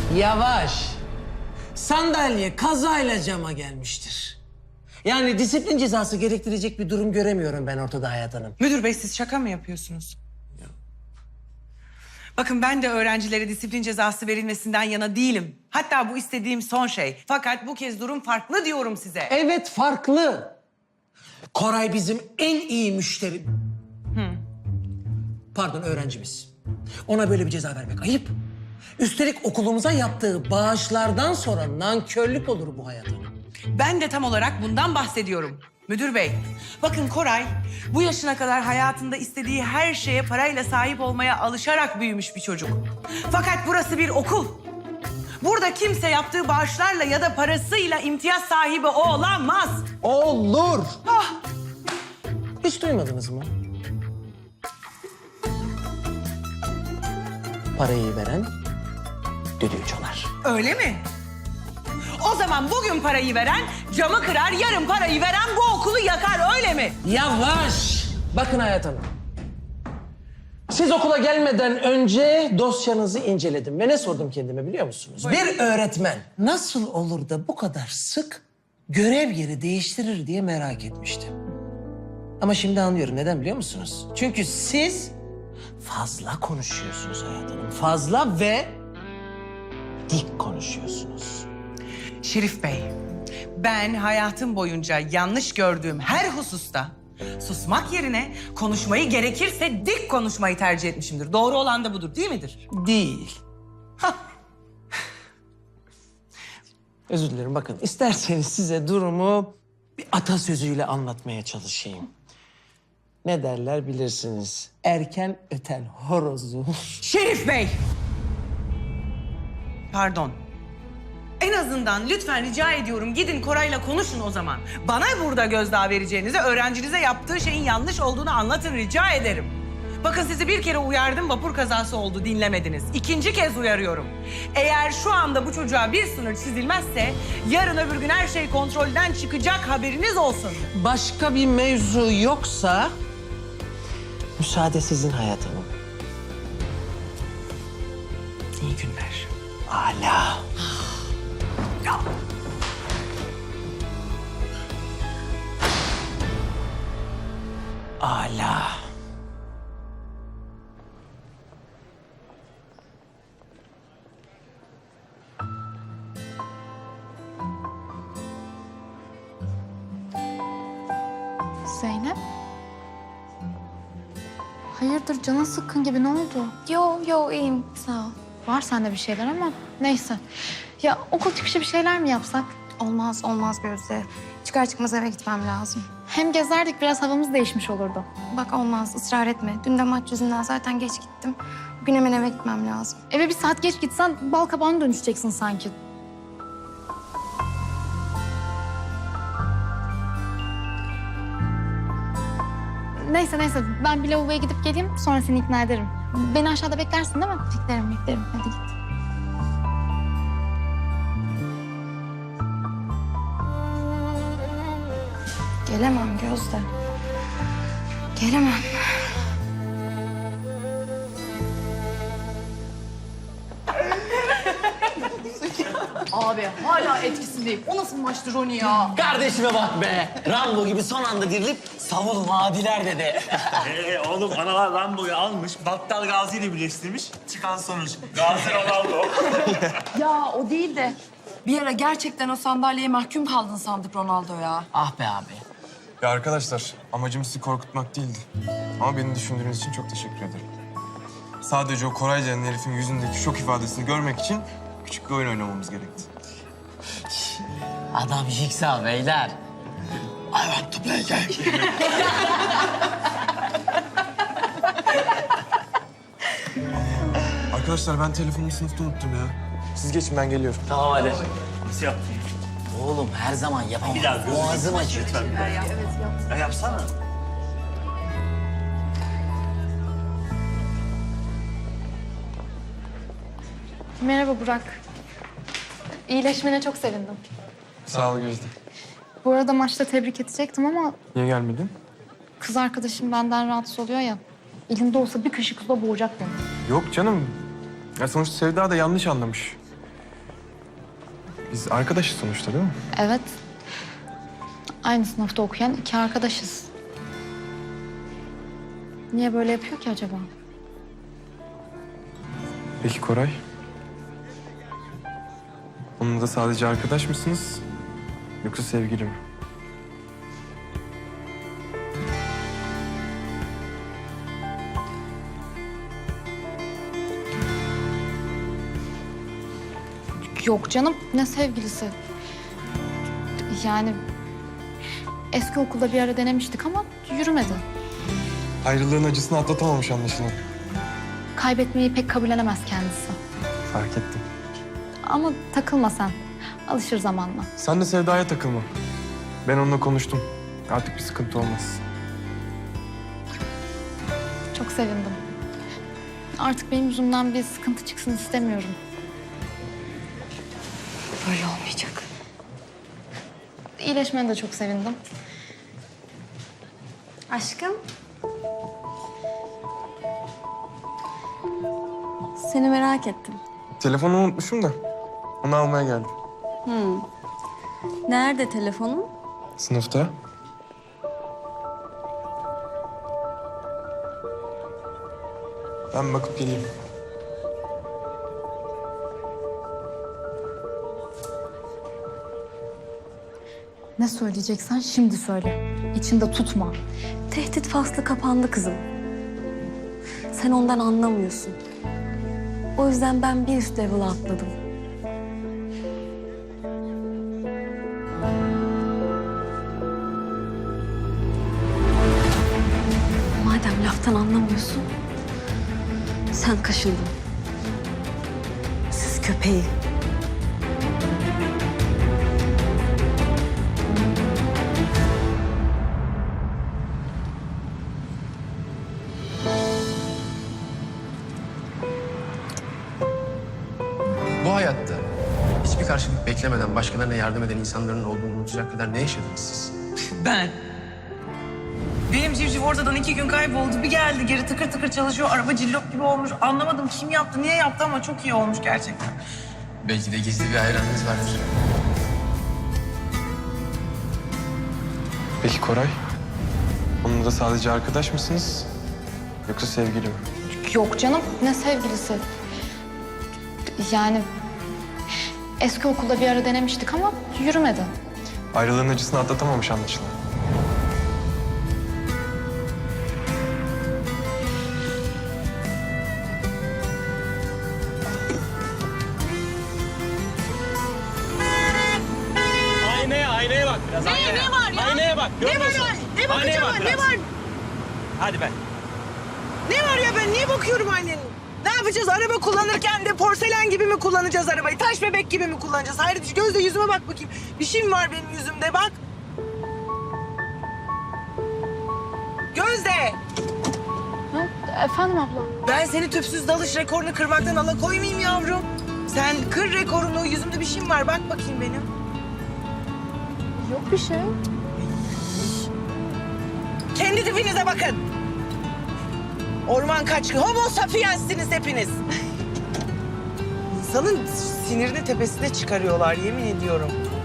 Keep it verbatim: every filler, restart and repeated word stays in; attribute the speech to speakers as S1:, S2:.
S1: Yavaş. Sandalye kazayla cama gelmiştir. Yani disiplin cezası gerektirecek bir durum göremiyorum ben ortada Hayat Hanım.
S2: Müdür bey siz şaka mı yapıyorsunuz? Bakın ben de öğrencilere disiplin cezası verilmesinden yana değilim. Hatta bu istediğim son şey. Fakat bu kez durum farklı diyorum size.
S1: Evet farklı. Koray bizim en iyi müşteri... Pardon öğrencimiz. Ona böyle bir ceza vermek ayıp. Üstelik okulumuza yaptığı bağışlardan sonra nankörlük olur bu Hayat Hanım.
S2: Ben de tam olarak bundan bahsediyorum. Müdür bey, bakın Koray bu yaşına kadar hayatında istediği her şeye parayla sahip olmaya alışarak büyümüş bir çocuk. Fakat burası bir okul. Burada kimse yaptığı bağışlarla ya da parasıyla imtiyaz sahibi olamaz.
S1: Olur. Ah. Hiç duymadınız mı? Parayı veren düdüğü çalar.
S2: Öyle mi? O zaman bugün parayı veren camı kırar, yarın parayı veren bu okulu yakar, öyle mi?
S1: Yavaş! Bakın Hayat Hanım. Siz okula gelmeden önce dosyanızı inceledim ve ne sordum kendime biliyor musunuz?
S2: Buyurun.
S1: Bir öğretmen nasıl olur da bu kadar sık görev yeri değiştirir diye merak etmiştim. Ama şimdi anlıyorum. Neden biliyor musunuz? Çünkü siz fazla konuşuyorsunuz Hayat Hanım. Fazla ve dik konuşuyorsunuz.
S2: Şerif Bey, ben hayatım boyunca yanlış gördüğüm her hususta susmak yerine konuşmayı gerekirse dik konuşmayı tercih etmişimdir. Doğru olan da budur değil midir?
S1: Değil. Hah. Özür dilerim bakın isterseniz size durumu bir atasözüyle anlatmaya çalışayım. Ne derler bilirsiniz. Erken öten horozu.
S2: Şerif Bey! Pardon. En azından lütfen rica ediyorum gidin Koray'la konuşun o zaman. Bana burada gözdağı vereceğinize öğrencinize yaptığı şeyin yanlış olduğunu anlatın rica ederim. Bakın sizi bir kere uyardım vapur kazası oldu dinlemediniz. İkinci kez uyarıyorum. Eğer şu anda bu çocuğa bir sınır çizilmezse yarın öbür gün her şey kontrolden çıkacak haberiniz olsun.
S1: Başka bir mevzu yoksa müsaade sizin Hayat Hanım.
S2: İyi günler.
S1: Hala.
S2: Ya.
S1: Hala.
S3: Zeynep? Hayırdır canın sıkkın gibi ne oldu?
S4: Yo yo iyiyim sağ ol.
S3: Var sende bir şeyler ama neyse. Ya okul çıkışı bir şeyler mi yapsak?
S4: Olmaz olmaz Gözde. Çıkar çıkmaz eve gitmem lazım.
S3: Hem gezerdik biraz havamız değişmiş olurdu.
S4: Bak olmaz ısrar etme. Dün de maç yüzünden zaten geç gittim. Bugün hemen eve gitmem lazım.
S3: Eve bir saat geç gitsen bal kabağına dönüşeceksin sanki. Neyse neyse ben bir lavaboya gidip geleyim sonra seni ikna ederim. Beni aşağıda beklersin değil mi?
S4: Beklerim beklerim hadi git. Gelemem Gözde. Gelemem.
S5: Abi hala etkisindeyim. O nasıl maçtı Roni ya?
S6: Kardeşime bak be. Rambo gibi son anda dirilip savun vadiler dedi.
S7: Ee, oğlum analar Rambo'yu almış, Battal Gazi ile birleştirmiş. Çıkan sonuç Gazi Ronaldo.
S5: Ya o değil de bir ara gerçekten o sandalyeye mahkum kaldın sandık Ronaldo ya.
S6: Ah be abi.
S8: Ya arkadaşlar, amacım sizi korkutmak değildi. Ama beni düşündüğünüz için çok teşekkür ederim. Sadece o Koray denen herifin yüzündeki şok ifadesini görmek için küçük bir oyun oynamamız gerekti.
S6: Adam Jigsaw beyler. I want to play game.
S8: Arkadaşlar ben telefonumu sınıfta unuttum ya. Siz geçin ben geliyorum.
S6: Tamam hadi.
S7: Nasıl yaptın?
S6: Oğlum her zaman yapamam.
S7: Bir daha gözünü
S6: Boğazım acıyor.
S7: lütfen. Ya yapsana.
S3: Merhaba Burak. İyileşmene çok sevindim.
S8: Sağ ol Gözde.
S3: Bu arada maçta tebrik edecektim ama
S8: Niye gelmedin?
S3: kız arkadaşım benden rahatsız oluyor ya. Elinde olsa bir kaşık suda boğacak beni.
S8: Yok canım. Ya sonuçta Sevda da yanlış anlamış. Biz arkadaşız sonuçta değil mi?
S3: Evet. Aynı sınıfta okuyan iki arkadaşız. Niye böyle yapıyor ki acaba?
S8: Peki Koray? Onunla da sadece arkadaş mısınız? Yoksa sevgili mi?
S3: Yok canım, ne sevgilisi. Yani eski okulda bir ara denemiştik ama yürümedi.
S8: Ayrılığın acısını atlatamamış anlaşılan.
S3: Kaybetmeyi pek kabullenemez kendisi.
S8: Fark ettim.
S3: Ama takılma sen. Alışır zamanla.
S8: Sen de Sevda'ya takılma. Ben onunla konuştum. Artık bir sıkıntı olmaz.
S3: Çok sevindim. Artık benim yüzümden bir sıkıntı çıksın istemiyorum.
S5: Böyle olmayacak.
S3: İyileşmene de çok sevindim.
S9: Aşkım. Seni merak ettim.
S8: Telefonu unutmuşum da onu almaya geldim.
S9: Nerede telefonun?
S8: Sınıfta. Ben bakıp geleyim.
S3: Ne söyleyeceksen şimdi söyle. İçinde tutma.
S9: Tehdit faslı kapandı kızım. Sen ondan anlamıyorsun. O yüzden ben bir üst level'a atladım. Madem laftan anlamıyorsun, sen kaşındın. Siz köpeği.
S10: Bu hayatta hiçbir karşılık beklemeden başkalarına yardım eden insanların olduğunu unutacak kadar ne yaşadınız siz?
S2: Ben. Benim civciv ortadan iki gün kayboldu. Bir geldi geri tıkır tıkır çalışıyor. Araba cillop gibi olmuş. Anlamadım kim yaptı, niye yaptı ama çok iyi olmuş gerçekten.
S10: Belki de gizli bir hayranınız vardır.
S8: Peki Koray? Onunla da sadece arkadaş mısınız? Yoksa sevgili mi?
S3: Yok canım, ne sevgilisi. Yani eski okulda bir ara denemiştik ama yürümedi.
S8: Ayrılığın acısını atlatamamış anlaşılan.
S7: Aynaya, aynaya bak biraz. Ne, aynaya. Ne var ya? Aynaya bak.
S2: Ne var ya? Ne bakacağım ben? Ne var?
S7: Hadi be.
S2: Ne var ya ben niye bakıyorum annenin? Ne yapacağız? Araba kullanırken de porselen gibi mi kullanacağız arabayı? Taş bebek gibi mi kullanacağız? Hayır şu gözle yüzüme bak bakayım. Bir şey mi var benim yüzümde bak. Gözde.
S3: Ha, efendim abla.
S2: Ben seni tüpsüz dalış rekorunu kırmaktan alakoymayayım yavrum. Sen kır rekorunu, yüzümde bir şey mi var? Bak bakayım benim.
S3: Yok bir şey.
S2: Kendi tipinize bakın. Orman kaçkı, homo sapiensiniz hepiniz. İnsanın sinirini tepesine çıkarıyorlar yemin ediyorum.